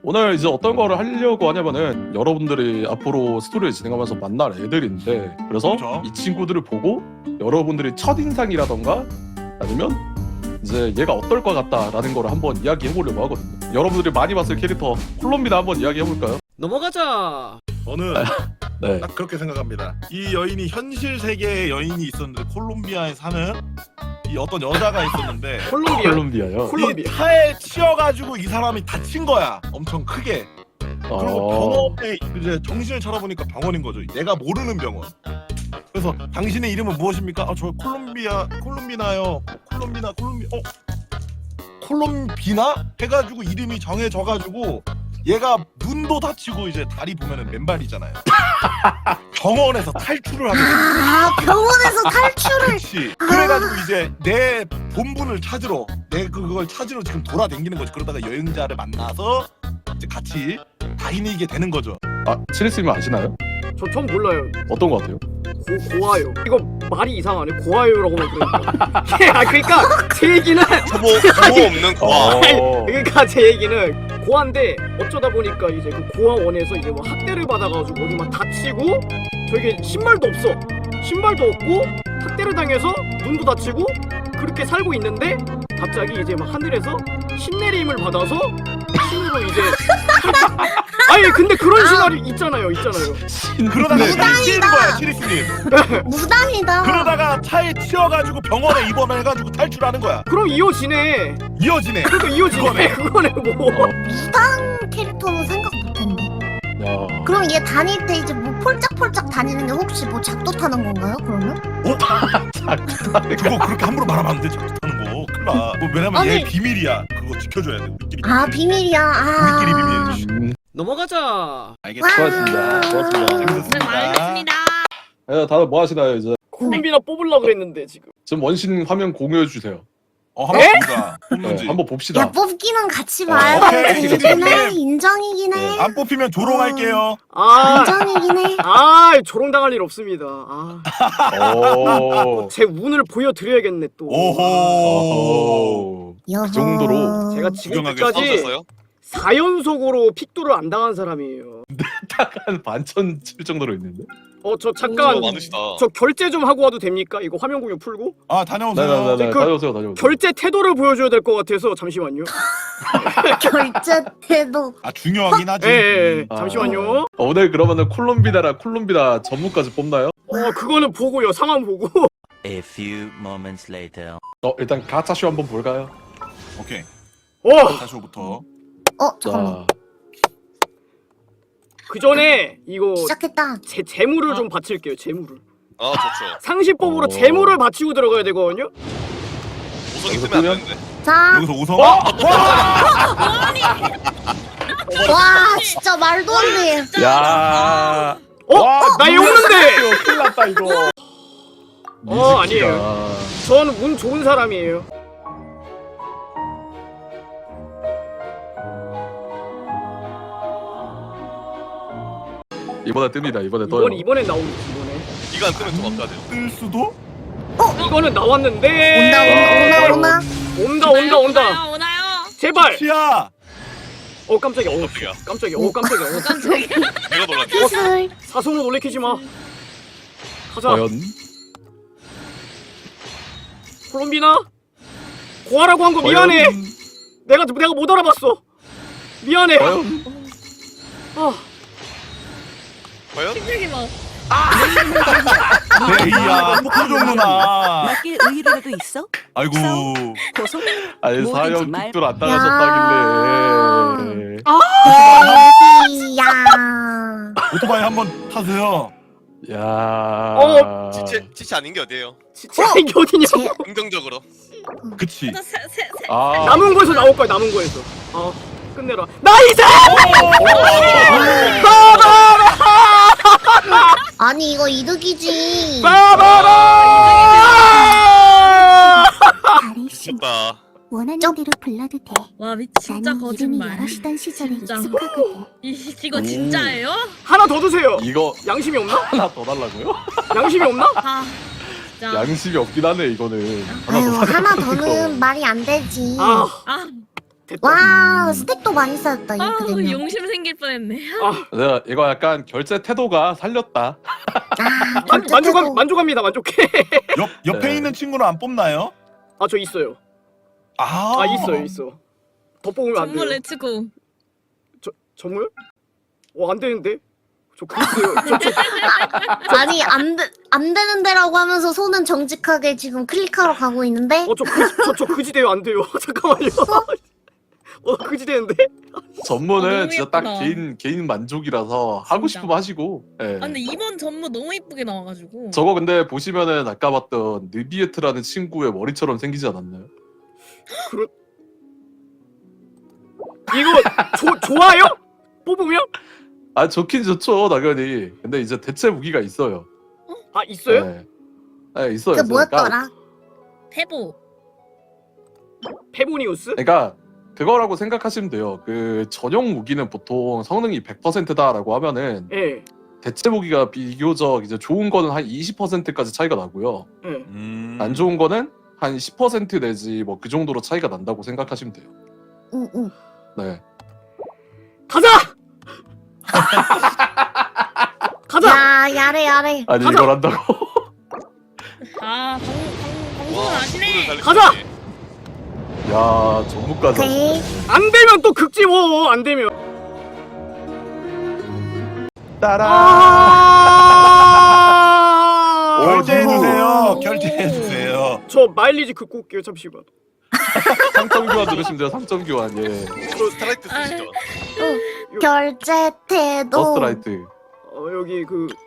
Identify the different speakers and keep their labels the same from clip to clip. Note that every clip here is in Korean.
Speaker 1: 오늘 이제 어떤 거를 하려고 하냐면은 여러분들이 앞으로 스토리를 진행하면서 만날 애들인데 그래서
Speaker 2: 그렇죠.
Speaker 1: 이 친구들을 보고 여러분들이 첫인상이라던가 아니면 이제 얘가 어떨 것 같다라는 거를 한번 이야기해보려고 하거든요. 여러분들이 많이 봤을 캐릭터 콜롬비나 한번 이야기해볼까요?
Speaker 3: 넘어가자.
Speaker 2: 저는
Speaker 1: 네.
Speaker 2: 딱 그렇게 생각합니다. 이 여인이 현실 세계의 여인이 있었는데 콜롬비아에 사는 이 어떤 여자가 있었는데
Speaker 3: 콜롬비아.
Speaker 1: 콜롬비아요?
Speaker 3: 콜롬비아.
Speaker 2: 이 차에 치여가지고 이 사람이 다친 거야. 엄청 크게. 그리고 병원에 이제 정신을 차려보니까 병원인 거죠. 내가 모르는 병원. 그래서 당신의 이름은 무엇입니까? 아, 저 콜롬비나요. 콜롬비나? 해가지고 이름이 정해져가지고 얘가 눈도 다치고 이제 다리 보면은 맨발이잖아요. 병원에서 탈출을 하게 돼.
Speaker 4: 아, 병원에서 탈출을.
Speaker 2: 그렇지. 그래가지고 이제 내 본분을 찾으러 그걸 찾으러 지금 돌아다니는 거지. 그러다가 여행자를 만나서 이제 같이 다니게 되는 거죠.
Speaker 1: 아, 치리스님 아시나요?
Speaker 3: 저 처음 몰라요.
Speaker 1: 어떤 거 같아요?
Speaker 3: 고아요. 이거 말이 이상하네. 고아요라고 그러니까. 그러니까 제 얘기는
Speaker 5: 뭐 없는 고아.
Speaker 3: 그러니까 제 얘기는 고아인데 어쩌다 보니까 이제 그 고아원에서 이제 뭐 학대를 받아가지고 어디 막 다치고 저에게 신발도 없어. 신발도 없고 학대를 당해서 눈도 다치고 그렇게 살고 있는데 갑자기 이제 막 하늘에서 신내림을 받아서 신으로 이제 아니 근데 그런 시나리오 있잖아요.
Speaker 2: 그러다가
Speaker 4: 무당이다.
Speaker 2: 치는 거야, 치리스님.
Speaker 4: 무당이다.
Speaker 2: 그러다가 차에 치여가지고 병원에 입원해가지고 탈출하는 거야.
Speaker 3: 그럼 이어지네.
Speaker 2: 이어지네.
Speaker 3: 그러니까 이어지네. 그거네 뭐.
Speaker 4: 무당 캐릭터는 생각 못했네.
Speaker 1: 야.
Speaker 4: 그럼 얘 다닐 때 이제 뭐 폴짝폴짝 다니는 게 혹시 뭐 작도 타는 건가요? 그러면?
Speaker 2: 그거 그렇게 함부로 말하면 안 돼. 자꾸 타는 거. 큰일 나. 뭐 왜냐면 얘
Speaker 4: 아니.
Speaker 2: 비밀이야. 그거 지켜줘야 돼. 우리끼리.
Speaker 4: 아, 비밀이야. 아.
Speaker 2: 우리끼리 비밀.
Speaker 3: 넘어가자.
Speaker 2: 알겠어.
Speaker 1: 수고하셨습니다. 고맙습니다.
Speaker 2: 재밌었습니다.
Speaker 1: 네, 다들 뭐 하시나요 이제?
Speaker 3: 콜롬비나 뽑으려고 그랬는데 지금.
Speaker 1: 지금 원신 화면 공유해 주세요.
Speaker 2: 한번 보자.
Speaker 1: 네,
Speaker 2: 뽑는지.
Speaker 1: 한번 봅시다.
Speaker 4: 야, 뽑기는 같이 봐요.
Speaker 2: 오케이.
Speaker 4: 인정이긴 해. 인정이긴 해.
Speaker 2: 안 뽑히면 조롱할게요.
Speaker 4: 인정이긴 해.
Speaker 3: 조롱당할 일 없습니다.
Speaker 1: 오.
Speaker 3: 제 운을 보여드려야겠네 또.
Speaker 2: 오호.
Speaker 4: 여보.
Speaker 1: 그 정도로
Speaker 3: 제가
Speaker 2: 구경하게
Speaker 3: 지금까지
Speaker 5: 싸우셨어요?
Speaker 3: 4연속으로 픽도를 안 당한 사람이에요.
Speaker 1: 한 반천 칠 정도로 있는데.
Speaker 3: 저 잠깐
Speaker 5: 많으시다.
Speaker 3: 저 결제 좀 하고 와도 됩니까? 이거 화면 공유 풀고
Speaker 2: 아, 다녀오세요.
Speaker 1: 네네네.
Speaker 3: 그
Speaker 1: 다녀오세요.
Speaker 3: 결제 태도를 보여줘야 될 것 같아서 잠시만요.
Speaker 4: 결제 태도.
Speaker 2: 아, 중요하긴 하지.
Speaker 3: 예.
Speaker 1: 아.
Speaker 3: 잠시만요.
Speaker 1: 오늘 그러면은 콜롬비나 전문까지 뽑나요?
Speaker 3: 그거는 보고요. 상황 보고.
Speaker 6: A few moments later.
Speaker 1: 일단 가차쇼 한번 볼까요?
Speaker 2: 오케이.
Speaker 3: 어,
Speaker 2: 다시부터.
Speaker 4: 잠깐만.
Speaker 1: 자,
Speaker 3: 그 전에 이거
Speaker 4: 시작했다.
Speaker 3: 제 재물을 좀 바칠게요. 재물을.
Speaker 5: 아 좋죠.
Speaker 3: 상시법으로
Speaker 1: 어.
Speaker 3: 재물을 바치고 들어가야 되거든요.
Speaker 5: 우성이
Speaker 1: 여기서
Speaker 5: 뜨면 안
Speaker 1: 뜨면?
Speaker 5: 되는데.
Speaker 4: 자,
Speaker 2: 여기서 우성.
Speaker 4: 와, 진짜 말도 안 돼.
Speaker 1: 야.
Speaker 3: 나 이거 없는데.
Speaker 1: 큰일 났다 이거.
Speaker 3: 아니에요. 저는 운 좋은 사람이에요.
Speaker 1: 이번에 뜹니다. 이번에 떠요.
Speaker 3: 이번엔 나오겠지. 이번에.
Speaker 5: 이거 안 뜨면 좀 아까워요.
Speaker 2: 뜰 수도?
Speaker 3: 이거는 나왔는데.
Speaker 4: 온다.
Speaker 3: 온다.
Speaker 7: 오나요?
Speaker 3: 제발.
Speaker 2: 치야.
Speaker 3: 깜짝이야. 깜짝이야.
Speaker 5: 내가 놀랐네.
Speaker 4: 기술.
Speaker 3: 사소는 놀래키지 마. 가자.
Speaker 1: 과연
Speaker 3: 콜롬비나. 고아라고 한 거 미안해. 내가 못 알아봤어. 미안해.
Speaker 1: 과연
Speaker 5: 과연?
Speaker 7: 힘들게 막.
Speaker 2: 데이야. 폭포종 누나.
Speaker 8: 맞게 의의라도 있어?
Speaker 2: 아이고.
Speaker 8: 고소?
Speaker 1: 아니
Speaker 8: 뭐든지
Speaker 1: 사형
Speaker 8: 말-
Speaker 1: 픽돌 안 당하셨다길래.
Speaker 4: 데이야.
Speaker 2: 오토바이 한번 타세요.
Speaker 1: 야.
Speaker 5: 치치 아닌 게 어디예요?
Speaker 3: 진짜 이게 어디냐고.
Speaker 5: 긍정적으로.
Speaker 2: 그치.
Speaker 1: 아.
Speaker 3: 남은 거에서 나올 거야. 남은 거에서. 끝내라. 나이스!
Speaker 4: 아니, 이거 이득이지.
Speaker 3: 빠바라!
Speaker 5: 미쳤다.
Speaker 9: 원하는
Speaker 4: 쩝.
Speaker 9: 대로 불러도 돼.
Speaker 7: 와 진짜
Speaker 9: 나는 이름이
Speaker 7: 거짓말.
Speaker 9: 여럿이던 시절에
Speaker 7: 진짜.
Speaker 9: 익숙하거든.
Speaker 7: 이거 진짜예요?
Speaker 3: 하나 더 주세요.
Speaker 1: 이거
Speaker 3: 양심이 없나?
Speaker 1: 하나 더 달라고요?
Speaker 3: 양심이 없나?
Speaker 7: 아 진짜.
Speaker 1: 양심이 없긴 하네 이거는.
Speaker 4: 아유, 하나 더는 말이 안 되지.
Speaker 7: 아
Speaker 3: 됐다.
Speaker 4: 와 스택도 많이 쌓였다
Speaker 7: 아,
Speaker 4: 이렇게 되면.
Speaker 7: 용심 생길 뻔했네.
Speaker 1: 내가 이거 약간 결제 태도가 살렸다.
Speaker 3: 만족합니다. 만족해.
Speaker 2: 옆에
Speaker 1: 네.
Speaker 2: 있는 친구는 안 뽑나요?
Speaker 3: 아 저 있어요.
Speaker 2: 아,
Speaker 3: 있어. 더 뽑으면 안
Speaker 7: 정말
Speaker 3: 돼요.
Speaker 7: 레츠고.
Speaker 3: 정말? 안 되는데? 저 그랬어요.
Speaker 4: 아니 안 되는 데라고 하면서 손은 정직하게 지금 클릭하러 가고 있는데.
Speaker 3: 저 그지대요 안 돼요. 잠깐만요. 그지대는데?
Speaker 1: 전무는
Speaker 7: 너무
Speaker 1: 진짜 딱
Speaker 7: 예쁘다.
Speaker 1: 개인 만족이라서 하고
Speaker 7: 진짜.
Speaker 1: 싶으면 하시고. 예.
Speaker 7: 아 근데 이번 전무 너무 이쁘게 나와가지고.
Speaker 1: 저거 근데 보시면은 아까 봤던 느비에트라는 친구의 머리처럼 생기지 않았나요?
Speaker 3: 이거 좋아요? 뽑으면?
Speaker 1: 아 좋긴 좋죠 당연히. 근데 이제 대체 무기가 있어요.
Speaker 3: 있어요?
Speaker 1: 네, 네 있어요.
Speaker 4: 그
Speaker 1: 있어요.
Speaker 4: 뭐였더라?
Speaker 7: 태보.
Speaker 3: 페보니우스?
Speaker 1: 그러니까 그거라고 생각하시면 돼요. 그 전용 무기는 보통 성능이 100%다라고 하면은
Speaker 3: 예.
Speaker 1: 대체 무기가 비교적 이제 좋은 거는 한 20%까지 차이가 나고요.
Speaker 3: 예.
Speaker 1: 안 좋은 거는 한 10% 내지 뭐 그 정도로 차이가 난다고 생각하시면 돼요.
Speaker 4: 응.
Speaker 1: 네.
Speaker 3: 가자! 가자!
Speaker 4: 야 야래.
Speaker 1: 아니
Speaker 3: 가자!
Speaker 1: 이걸 한다고?
Speaker 7: 아 방송을 아시네.
Speaker 3: 가자!
Speaker 1: 야 전무까지.
Speaker 4: 오케이.
Speaker 1: 하시네.
Speaker 3: 안 되면 또 극지 뭐. 안 되면.
Speaker 1: 따라.
Speaker 2: 결제해주세요.
Speaker 7: 오.
Speaker 2: 결제해주세요.
Speaker 3: 저 마일리지 긋고 올게요. 잠시만.
Speaker 1: 상점 교환 누르시면 돼요. 상점 교환. 예.
Speaker 5: 스트라이트 쓰시죠.
Speaker 4: 결제 태도.
Speaker 1: 더스트라이트.
Speaker 3: 여기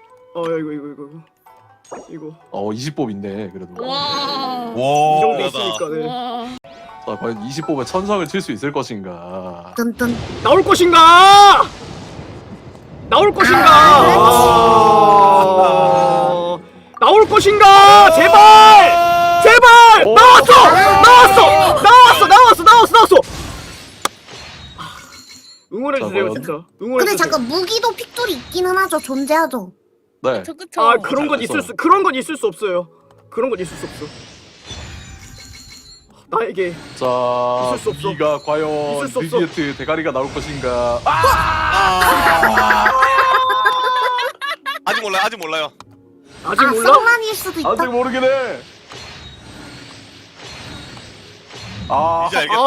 Speaker 3: 이거
Speaker 1: 20뽑 있네 그래도.
Speaker 7: 와.
Speaker 3: 이 정도
Speaker 2: 와.
Speaker 3: 있으니까 네.
Speaker 7: 와.
Speaker 1: 자 과연 20뽑에 천성을 칠 수 있을 것인가.
Speaker 4: 뚠뚠.
Speaker 3: 나올 것인가? 나올 것인가? 나올 것인가? 제발!
Speaker 1: 오.
Speaker 3: 나왔어! 응원해 주세요,
Speaker 1: 과연?
Speaker 3: 진짜. 응원해
Speaker 4: 근데
Speaker 3: 주세요.
Speaker 4: 잠깐 무기도 픽돌이 있기는 하죠. 존재하죠.
Speaker 1: 네.
Speaker 7: 그쵸.
Speaker 3: 그런 건
Speaker 1: 있어요.
Speaker 3: 그런 건 있을 수 없어요. 그런 건 있을 수 없어. 나에게
Speaker 1: 자
Speaker 3: 있을 수 없어.
Speaker 1: 무기가 과연
Speaker 3: 있을 수 없어.
Speaker 1: 느비에트 대가리가 나올 것인가.
Speaker 5: 아직 몰라요.
Speaker 3: 아직 몰라?
Speaker 4: 성난일 수도 있다.
Speaker 1: 아직 모르긴 해.
Speaker 5: 이제 알겠다.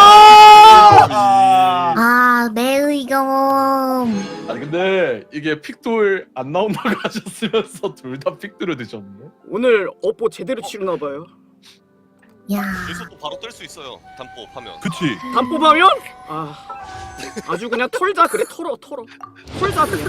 Speaker 4: 내 의견.
Speaker 1: 아니 근데 이게 픽돌 안 나온다고 하셨으면서 둘 다 픽돌을 드셨네.
Speaker 3: 오늘 업보 제대로 치르나 봐요.
Speaker 4: 야.
Speaker 5: 여기서 또 바로 뜰 수 있어요. 단법 하면.
Speaker 2: 그치.
Speaker 3: 단뽑하면 아주 그냥 털자 그래 털어 털자 그냥.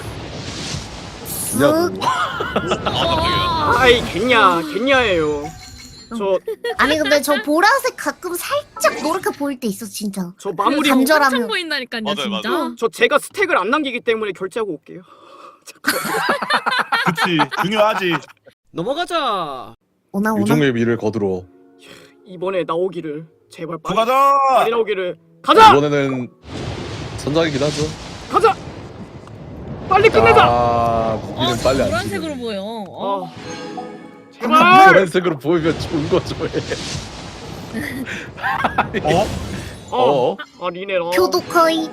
Speaker 4: 쓱.
Speaker 5: 깜짝이야.
Speaker 3: 아이 겠냐예요.
Speaker 4: 아니 근데 저 보라색 가끔 살짝 노랗게 보일 때 있어 진짜.
Speaker 3: 저 마무리
Speaker 4: 간절-
Speaker 7: 엄청
Speaker 4: 간절하면.
Speaker 7: 보인다니까요,
Speaker 5: 맞아요,
Speaker 7: 진짜.
Speaker 5: 맞아요.
Speaker 3: 저 제가 스택을 안 남기기 때문에 결제하고 올게요.
Speaker 2: 그치. 중요하지.
Speaker 3: 넘어가자.
Speaker 4: 오나.
Speaker 1: 유종의 미를 거두러.
Speaker 3: 이번에 나오기를 제발 빨리
Speaker 2: 가자.
Speaker 3: 나오기를. 가자.
Speaker 1: 이번에는 선장이긴 하죠.
Speaker 3: 가자. 빨리 끝내자.
Speaker 1: 무기는 빨리 안
Speaker 7: 노란색으로
Speaker 1: 지네.
Speaker 7: 보여.
Speaker 3: 제발.
Speaker 1: 노란색으로 보이면 좋은 거죠.
Speaker 3: 리네라.
Speaker 4: 교도커이.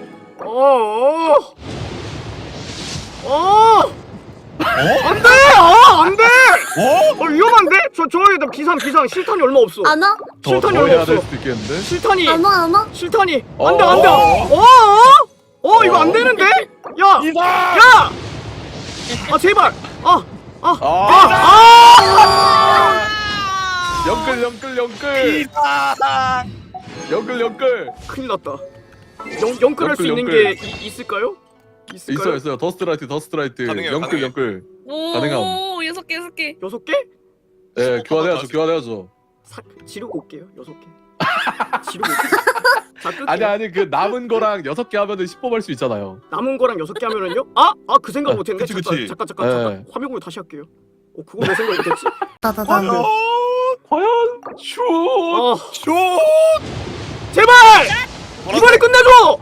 Speaker 3: 안돼! 안돼! 위험한데? 저기 기상 실탄이 얼마 없어.
Speaker 4: 안 와?
Speaker 1: 더
Speaker 3: 실탄이 얼마
Speaker 1: 해야 될
Speaker 3: 없어.
Speaker 1: 수도 있겠는데.
Speaker 3: 실탄이
Speaker 4: 안 와?
Speaker 3: 실탄이
Speaker 1: 어,
Speaker 3: 안돼. 이거 안 되는데? 야! 제발.
Speaker 1: 영끌.
Speaker 3: 큰일 났다. 영끌할 수 있는 게 있을까요?
Speaker 1: 있어요. 더스트라이트.
Speaker 5: 가능해요,
Speaker 1: 영끌. 가능함.
Speaker 7: 오, 6개.
Speaker 3: 6개?
Speaker 1: 예, 교환해야죠.
Speaker 3: 지르고 올게요. 6개. 지르고 올게요. 자, 끌게요.
Speaker 1: 아니 그 남은 거랑 6개 하면은 10뽑 할 수 있잖아요.
Speaker 3: 남은 거랑 6개 하면은요? 그 생각 못 했네.
Speaker 2: 그치.
Speaker 3: 잠깐.
Speaker 1: 네.
Speaker 3: 화면 공유 다시 할게요. 그거 왜 생각 못 했지?
Speaker 4: 나다다.
Speaker 1: 과연 슛.
Speaker 2: 슛.
Speaker 3: 제발! 이번에 끝내줘!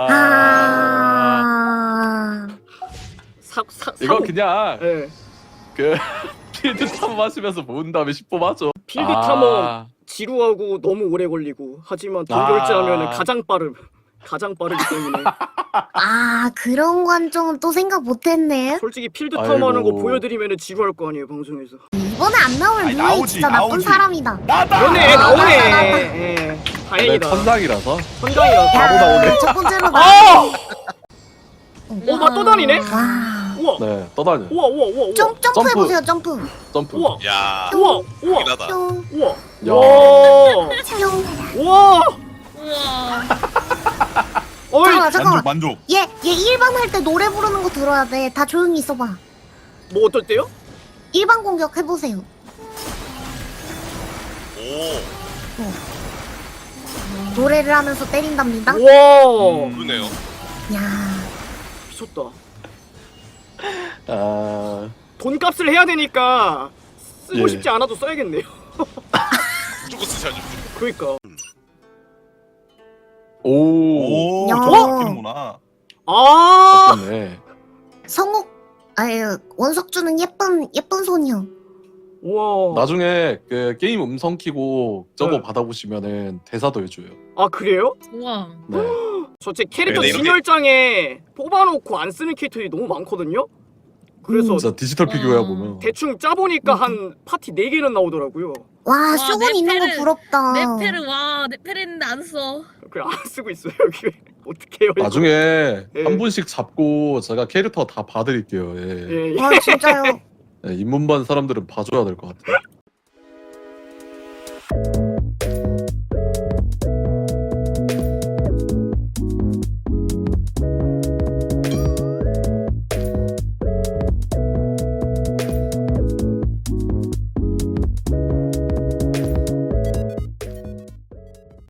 Speaker 1: 이거 그냥
Speaker 3: 예.
Speaker 1: 그 필드 탐험하시면서 모은 다음에 10보 맞죠?
Speaker 3: 필드 탐험 지루하고 너무 오래 걸리고 하지만 돈 결제하면 가장 빠르기 때문에
Speaker 4: 아 그런 관점은 또 생각 못했네.
Speaker 3: 솔직히 필드 탐험하는 거
Speaker 1: 아이고.
Speaker 3: 보여드리면 지루할 거 아니에요 방송에서.
Speaker 4: 이번에 안 나오면
Speaker 2: 아니,
Speaker 4: 루이
Speaker 2: 나오지,
Speaker 4: 진짜 나쁜
Speaker 2: 나오지.
Speaker 4: 사람이다.
Speaker 2: 나다.
Speaker 3: 그러네
Speaker 4: 나왔다.
Speaker 3: 나오네. 예,
Speaker 1: 내
Speaker 3: 다행이다.
Speaker 1: 천상이라서
Speaker 3: 천장이라서.
Speaker 1: 바로 나오네.
Speaker 4: 첫 번째로 나.
Speaker 3: 아! 막 떠다니네?
Speaker 4: 와.
Speaker 3: 우와.
Speaker 1: 네 떠다녀.
Speaker 3: 우와.
Speaker 4: 점프 해보세요 점프.
Speaker 1: 점프.
Speaker 3: 우와.
Speaker 5: 야.
Speaker 3: 우와.
Speaker 5: 이나다.
Speaker 4: 뿅.
Speaker 3: 우와.
Speaker 1: 야.
Speaker 3: 와.
Speaker 4: 뿅.
Speaker 3: 우와.
Speaker 7: 우와.
Speaker 3: 어이.
Speaker 4: 잠깐만.
Speaker 2: 만족.
Speaker 4: 얘 1번 할 때 노래 부르는 거 들어야 돼. 다 조용히 있어봐.
Speaker 3: 뭐 어떨 때요?
Speaker 4: 1번 공격 해보세요.
Speaker 5: 오.
Speaker 4: 노래를 하면서 때린답니다.
Speaker 3: 우와.
Speaker 5: 그러네요.
Speaker 4: 야.
Speaker 3: 미쳤다.
Speaker 1: 아
Speaker 3: 돈값을 해야 되니까 쓰고
Speaker 1: 예.
Speaker 3: 싶지 않아도 써야겠네요.
Speaker 5: 무조건 쓰셔야죠.
Speaker 3: 그러니까.
Speaker 1: 오.
Speaker 2: 오,
Speaker 4: 야.
Speaker 2: 저거 바뀌는구나.
Speaker 3: 아.
Speaker 1: 맞네.
Speaker 4: 성욱 아유 원석주는 예쁜 손이요.
Speaker 3: 우와.
Speaker 1: 나중에 그 게임 음성 키고 저거
Speaker 3: 네.
Speaker 1: 받아보시면은 대사도 해줘요.
Speaker 3: 아 그래요?
Speaker 7: 우와.
Speaker 1: 네.
Speaker 3: 저 제 캐릭터
Speaker 5: 네, 이렇게-
Speaker 3: 진열장에 뽑아놓고 안 쓰는 캐릭터들이 너무 많거든요. 그래서
Speaker 1: 진짜 디지털 피규어야 보면.
Speaker 3: 대충 짜보니까 한 파티 4개는 나오더라고요.
Speaker 4: 와 쇼군 있는 거
Speaker 7: 네페르-
Speaker 4: 부럽다.
Speaker 7: 네페르 와 네페르 했는데 안 써.
Speaker 3: 그래 안 쓰고 있어요 여기. 어떻게 해요? 이거?
Speaker 1: 나중에
Speaker 3: 예.
Speaker 1: 한 분씩 잡고 제가 캐릭터 다 봐드릴게요. 예.
Speaker 3: 예, 예.
Speaker 4: 아 진짜요.
Speaker 1: 예, 입문반 사람들은 봐줘야 될 것 같아요.